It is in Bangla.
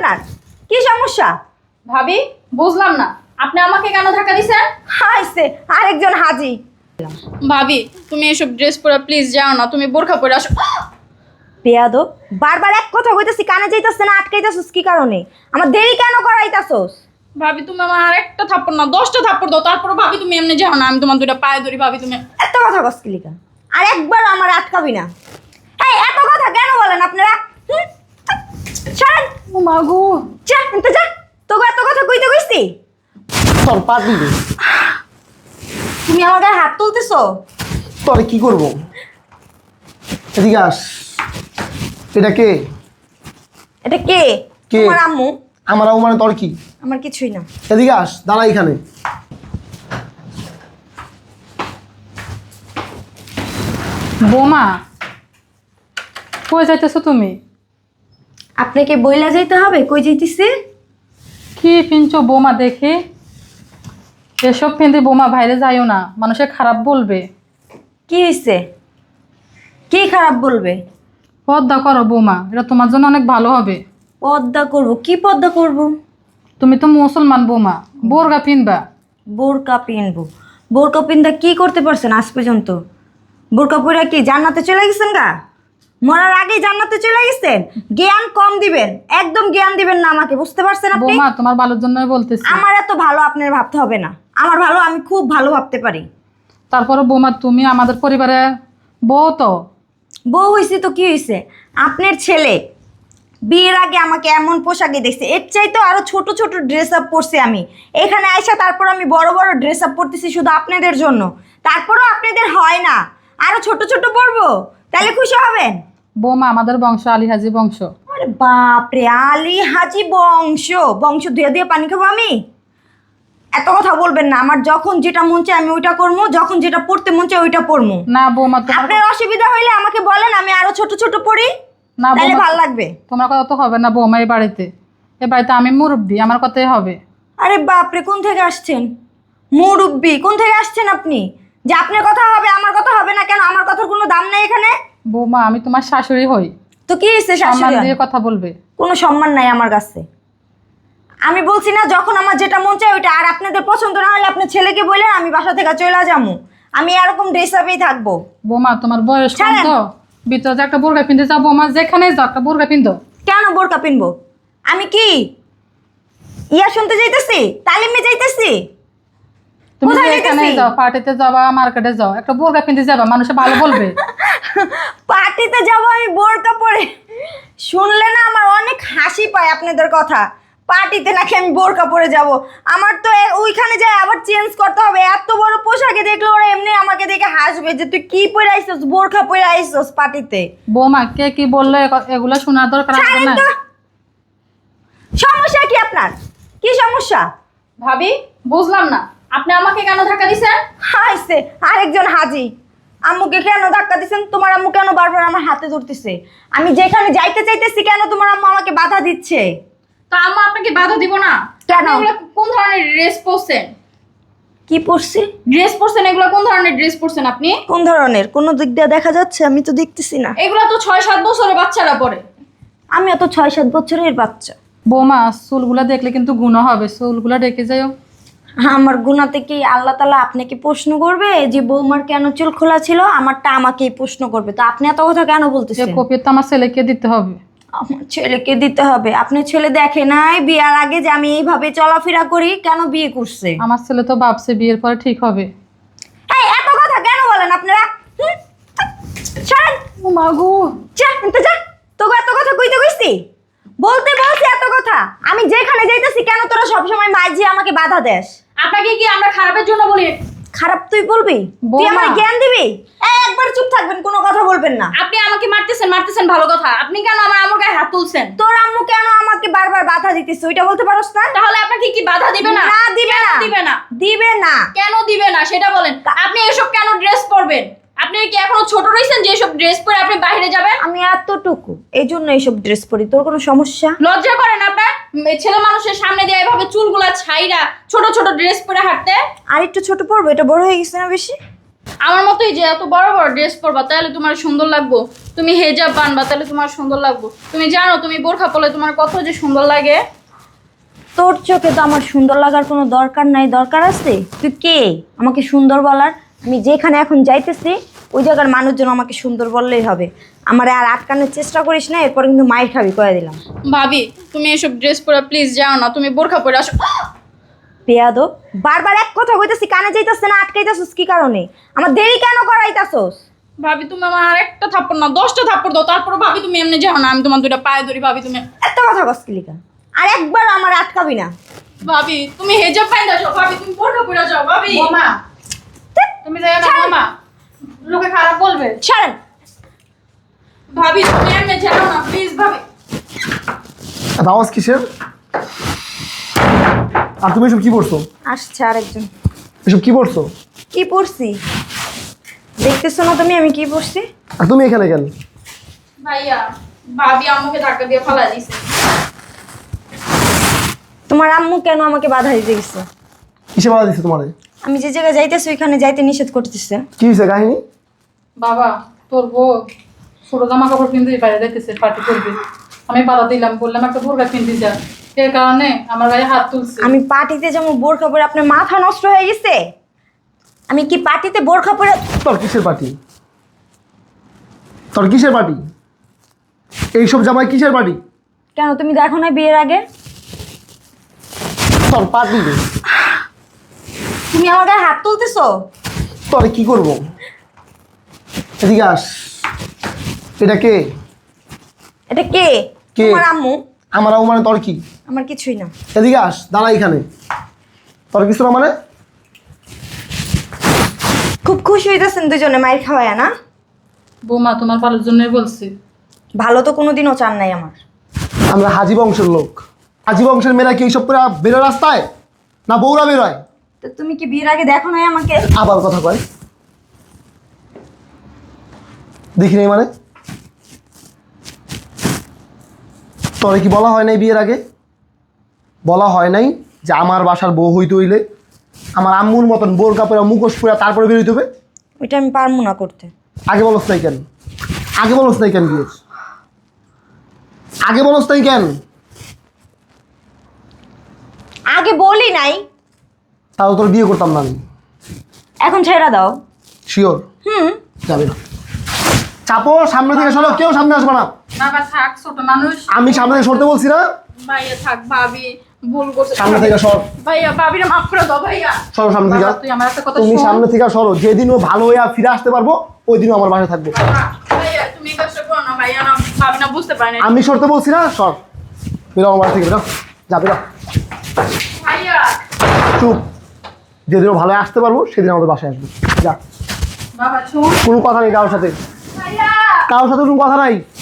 আপনার? কি সমস্যা? ভাবি বুঝলাম না, আপনি আমাকে কেন ধাক্কা দিছেন? হাইছে আরেকজন হাজি। ভাবি তুমি এসব ড্রেস পরে প্লিজ যাও না, তুমি বোরখা পরে আসো। পেয়াদো, বারবার এক কথা কইতাছি, কানে যাইতাছে না, আটকাইতাছস কি কারণে? আমার দেরি কেন করাইতাছস? ভাবি তুমি আমার আরেকটা থাপ্পড় না 10টা থাপ্পড় দাও, তারপর ভাবি তুমি এমনি যাও না, আমি তোমার দুইটা পায়ে ধরি। ভাবি তুমি এত কথা কস কি লিগা? আর একবার আমার আটকাবি না। এই এত কথা কেন বলেন আপনারা? ছাড়েন। ও মাগো, যা এনতে যা। তোকে এত কথা কইতে কইছি? তোর পা দিবি। তুমি আমার গায়ে হাত তুলতেছো? তোরে কি করব? এদিকে আস। এটা কে? এটা কে? কে? তোমার আম্মু। আমার আম্মু মানে তোর কি? আমার কিছুই না। এদিকে আস, দাঁড়া এখানে। বোমা, কই যাইতেছো তুমি? আপনাকে বইলা যাইতে হবে? কই যাইতেছি? কি পিনছো বোমা দেখে? এসব পিনতে বোমা বাইরে যাইও না, মানুষে খারাপ বলবে। কি হইছে? কি খারাপ বলবে? পর্দা করো বোমা, এটা তোমার জন্য অনেক ভালো হবে। পর্দা করব? কি পর্দা করব? তুমি তো মুসলমান বোমা, বোরকা পিনবা। বোরকা পিনবো? বোরকা পিনতে কি করতে পারছেন আজ পর্যন্ত? বোরকা পরে কি জান্নাতে চলে গেছেন গা? মরার আগেই জান্নাতে চলে গেছেন? জ্ঞান কম দিবেন, একদম জ্ঞান দিবেন না আমাকে, বুঝতে পারছেন আপনি? বোমা তোমার ভালোর জন্যই বলতেছি। আমার এত ভালো আপনার ভাবতে হবে না। আমার ভালো আমি খুব ভালো ভাবতে পারি। তারপরে বোমা তুমি আমাদের পরিবারে বউ তো। বউ হয়েছি তো কি হয়েছে? আপনার ছেলে বিয়ের আগে আমাকে এমন পোশাকে দেখছে, এর চাইতে আরো ছোট ছোট ড্রেস আপ পরছি আমি। এখানে আইসা তারপর আমি বড় বড় ড্রেস আপ পরতেছি শুধু আপনাদের জন্য। তারপরও আপনাদের হয় না, আরো ছোট ছোট পরবো, তাহলে খুশি হবেন? বোমা আমাদের বংশ আলী হাজি বংশ। আরে বাপরে, আলী হাজি বংশ? বংশ ধুয়ে দিয়ে পানি খাবো আমি? এত কথা বলবেন না। আমার যখন যেটা মন চায় আমি ওইটা করবো, যখন যেটা পড়তে মন চায় ওইটা পড়বো। না বোমা তোমার আপনার অসুবিধা হইলে আমাকে বলেন, আমি আরো ছোট ছোট পড়ি, না তাহলে বোমা, ভালো লাগবে। তোমার কথা তো হবে না বোমা। এ বাড়িতে আমি মুরব্বী, আমার কথাই হবে। আরে বাপরে, কোন থেকে আসছেন? মুরব্বি কোন থেকে আসছেন আপনি? যে আপনার কথা হবে আমার কথা হবে না কেন? আমার কথার কোনো দাম নেই এখানে? বৌমা আমি তোমার শাশুড়ি হই, তো কি হয়েছে? সম্মান শাশুড়ি দিয়ে হন। কথা বলবে। কোনো সম্মান নাই আমার কাছে। আমি বলছি না যখন আমার যেটা মন চায় ওইটা। আর আপনাদের পছন্দ না হলে আপনার ছেলেকে বললেন আমি বাসা থেকে চলে যাবো। আমি এরকম ড্রেস আপেই থাকবো। বৌমা তোমার বয়স কম ছাড়েন। তো, ভিতরে যে একটা বোরকা পিনতে যাও বৌমা, যেখানে যাও একটা বোরকা পিনতো। কেন বোরকা পিনবো? আমি কি ইয়া শুনতে যাইতেছি? তালিমে যাইতেছি? তুমি কোথায় যেখানে যাইতেছি? যাও, পার্টিতে যাবা, মার্কেটে যাও, একটা বোরকা পিনতে যাবা, মানুষে ভালো বলবে। পার্টিতে যাবো আমি বোরকা পরে? শুনলে না আমার অনেক হাসি পায় আপনাদের কথা। পার্টিতে নাকি আমি বোরকা পরে যাব? আমার তো ওইখানে যাই আবার চেঞ্জ করতে হবে। এত বড় পোশাকে দেখলে ওরা এমনি আমাকে দেখে হাসবে যে তুই কি পরে আইছস, বোরকা পরে আইছস পার্টিতে। বৌমা কে কি বললো এগুলো শোনার দরকার আছে ছাড়েন না। তো। সমস্যা কি আপনার? কি সমস্যা? ভাবি বুঝলাম না, আপনি আমাকে কেন ধাক্কা দিছেন? হাইছে আরেকজন হাজি। আম্মুকে কেন ধাক্কা দিছেন? তোমার আম্মু কেন বারবার আমার হাতে ধরতেছে? আমি যেখানে যাইতে চাইতেছি কেন তোমার আম্মু আমাকে বাধা দিচ্ছে? তো আম্মা আপনাকে বাধা দিব না? কেন? আপনি এগুলো কোন ধরনের ড্রেস পরছেন? কি পড়ছি? ড্রেস পরছেন, এগুলো কোন ধরনের ড্রেস পরছেন আপনি? কোন ধরনের? কোনো দিক দিয়ে দেখা যাচ্ছে? আমি তো দেখতেছি না। এগুলো তো 6-7 বছরের বাচ্চারা পরে। আমি অত 6-7 বছরের বাচ্চা। বৌমা চুলগুলা দেখলে কিন্তু গুণ হবে, চুলগুলা ডেকে যাও। আমার গুনাতে কি আল্লাহ তাআলা আপনাকে প্রশ্ন করবে যে বৌমার কেন চুল খোলা ছিল? আমারটা আমাকেই প্রশ্ন করবে। তো আপনি এত কথা কেন যে বলতেছেন? কপি তো আমার ছেলেকে দিতে হবে। আমার ছেলেকে দিতে হবে? আপনার ছেলে দেখে নাই বিয়ার আগে যে আমি এইভাবে চলাফেরা করি? কেন বিয়ে করছে? আমার ছেলে তো ভাবছে বিয়ের পরে ঠিক হবে। এই এত কথা কেন বলেন আপনারা? ছাড়েন। ও মাগো, যা এনতে যা। তোকে এত কথা কইতে কইছি? বলতে বলছি এত কথা। আমি যেখানে যাইতেছি কেন তোরা সবসময় মাঝি আমাকে বাধা দেস? আপনাকে কি আমরা খারাপের জন্য বলি? খারাপ তুই বলবি? তুই বৌমা। আমার জ্ঞান দিবি? একবার চুপ থাকবেন, কোনো কথা বলবেন না। আপনি আমাকে মারতেছেন ভালো কথা, আপনি কেন আমার আম্মুর গায়ে হাত তুলছেন? তোর আম্মু কেন আমাকে বারবার বাধা দিতেছে ওইটা বলতে পারোস না? তাহলে আপনাকে কি বাধা দিবে না? না, দিবে কেন না। দিবে না? দিবে না। কেন দিবে না সেটা বলেন। আপনি এসব কেন ড্রেস পরবেন? আপনি কি এখনো ছোট রয়েছেন যে এসব ড্রেস পরে আপনি বাইরে যাবেন? আমি এতটুকু এই জন্য এইসব ড্রেস পরি। তোর কোনো সমস্যা? লজ্জা করেন আপনার? ছেলে মানুষের সামনে দিয়ে এভাবে চুলগুলা ছাইরা ছোট ছোট ড্রেস পরে হাঁটতে? আর একটু ছোট পড়বো? এটা বড় হয়ে গেছে না বেশি? আমার মতোই যে এত বড় বড় ড্রেস পরবা তাহলে তোমার সুন্দর লাগবো। তুমি হেজাব বানবা তাহলে তোমার সুন্দর লাগবে। তুমি জানো তুমি বোরখা পরলে তোমার কত যে সুন্দর লাগে। তোর চোখে তো আমার সুন্দর লাগার কোনো দরকার নাই, দরকার আছে? তুই কে আমাকে সুন্দর বলার? আমি যেখানে এখন যাইতেছি ওই জায়গার মানুষজন আমাকে সুন্দর বললেই হবে। আমার আর আটকানোর চেষ্টা করিস না, এরপর কিন্তু মাইর খাবি কয়ে দিলাম। ভাবি তুমি এসব ড্রেস পরে প্লিজ যাও না, তুমি বোরখা পরে আসো। পেয়াদো, বারবার এক কথা কইতাছি, কানে যাইতাছে না, আটকাইতাছস কি কারণে? আমার দেরি কেন করাইতাছস? ভাবি তুমি আমার আর একটা থাপ্পড় না 10টা থাপ্পড় দাও, তারপরে ভাবি তুমি এমনি যাও না, আমি তোমার দুইটা পায়ে ধরি। ভাবি তুমি এত কথা কস কি লিগা? আর একবার আমার আটকাবি না। ভাবি তুমি হেজাব বাইন্দা যাও, ভাবি তুমি বোরখা পরে যাও। ভাবি বোমা তুমি যাই না বোমা, লোকে খারাপ বলবে। ছাড়েন। ভাবি তুমি এমনি যাও না প্লিজ। ভাবি এত আওয়াজ কিসের? আর তুমি এসব কি পড়ছো? আসছে আরেকজন। এসব কি পড়ছো? কি পড়ছি দেখতেছো না তুমি আমি কি পড়ছি? আর তুমি এখানে কেন? ভাইয়া ভাবি আম্মুকে ধাক্কা দিয়ে ফালা দিছে। তোমার আম্মু কেন আমাকে বাধা দিতে গেছে? কিসে বাধা দিচ্ছে তোমারে? আমি যে জায়গায় যাইতেছি ওইখানে যাইতে নিষেধ করতেছে। কি হয়েছে কাহিনী? বাবা তোর বউ ছোট জামা কাপড় কিনতে বাইরে যাইতেছে, পার্টি করবে। আমি বাধা দিলাম, বললাম একটা বোরকা কিনতে যা, এর কারণে আমার গায়ে হাত তুলছে। আমি পার্টিতে যেমন বোরখা পরে আপনার মাথা নষ্ট হয়ে গেছে? আমি কি পার্টিতে বোরখা পরে? তোর কিসের পার্টি? তোর কিসের পার্টি? এইসব জামাই কিসের পার্টি? কেন তুমি দেখো না বিয়ের আগে? তোর পার্টি রে। তুমি আমার গায়ে হাত তুলতেছো? তোর কি করবো? এদিকে আস। এটা কে? এটা কে? কে? তোমার আম্মু। আমার আম্মু মানে তোর কি? আমার কিছুই না। এদিকে আস, দাঁড়া এখানে। তোর কিছু না মানে? খুব খুশি হইতেছেন দুজনে মায়ের খাওয়ায় না? বোমা তোমার ভালোর জন্যই বলছি। ভালো তো কোনোদিনও চান নাই আমার। আমরা হাজি বংশের লোক। হাজি বংশের মেয়েরা কি এইসব করে বেরোয় রাস্তায়? না বউরা বেরোয়? তো তুমি কি বিয়ের আগে দেখো নাই আমাকে? আবার কথা কয়। দেখি নাই মানে? তোরে কি বলা হয় নাই বিয়ের আগে? বলা হয় নাই যে আমার বাসার বউ হইতে হইলে আমার আম্মুর মতন বোরকা পরে মুখোশ পরে তারপরে বেরোইতে হবে? ওইটা আমি পারবো না করতে। আগে বলস নাই কেন? আগে বলস নাই কেন বিয়ের? আগে বলস নাই কেন? আগে বলি নাই। তাও তোর বিয়ে করতাম না আমি। এখন ছেড়ে দাও। শিওর? হুম। যাবে না। চাপো, সামনে থেকে সরো, কেউ সামনে আসবে না। বাবা থাক, ছোট মানুষ। আমি সামনে থেকে সরতে বলছি না? ভাইয়া থাক, ভাবি ভুল করছে। সামনে থেকে সর। ভাইয়া ভাবিরা মাফ করে দাও ভাইয়া। সরো সামনে থেকে। বাবা, তুই আমার একটা কথা তুমি শোন। সামনে থেকে সরো। যেদিন ও ভালো হয়ে ফিরে আসতে পারবো ওই দিনও আমার বাসায় থাকবো। ভাইয়া তুমি এই কাজটা করো না ভাইয়া, না ভাবি না বুঝতে পারে না। আমি সরতে বলছি না? সর, বেরো আমার বাসা থেকে, বেরো। যা বেরো। ভাইয়া চুপ। যেদিন ও ভালো হয়ে আসতে পারবো সেদিন আমাদের বাসায় আসবো। যা। বাবা শোন। কোনো কথা নেই কারোর সাথে। ভাইয়া কারোর সাথে কোনো কথা নাই।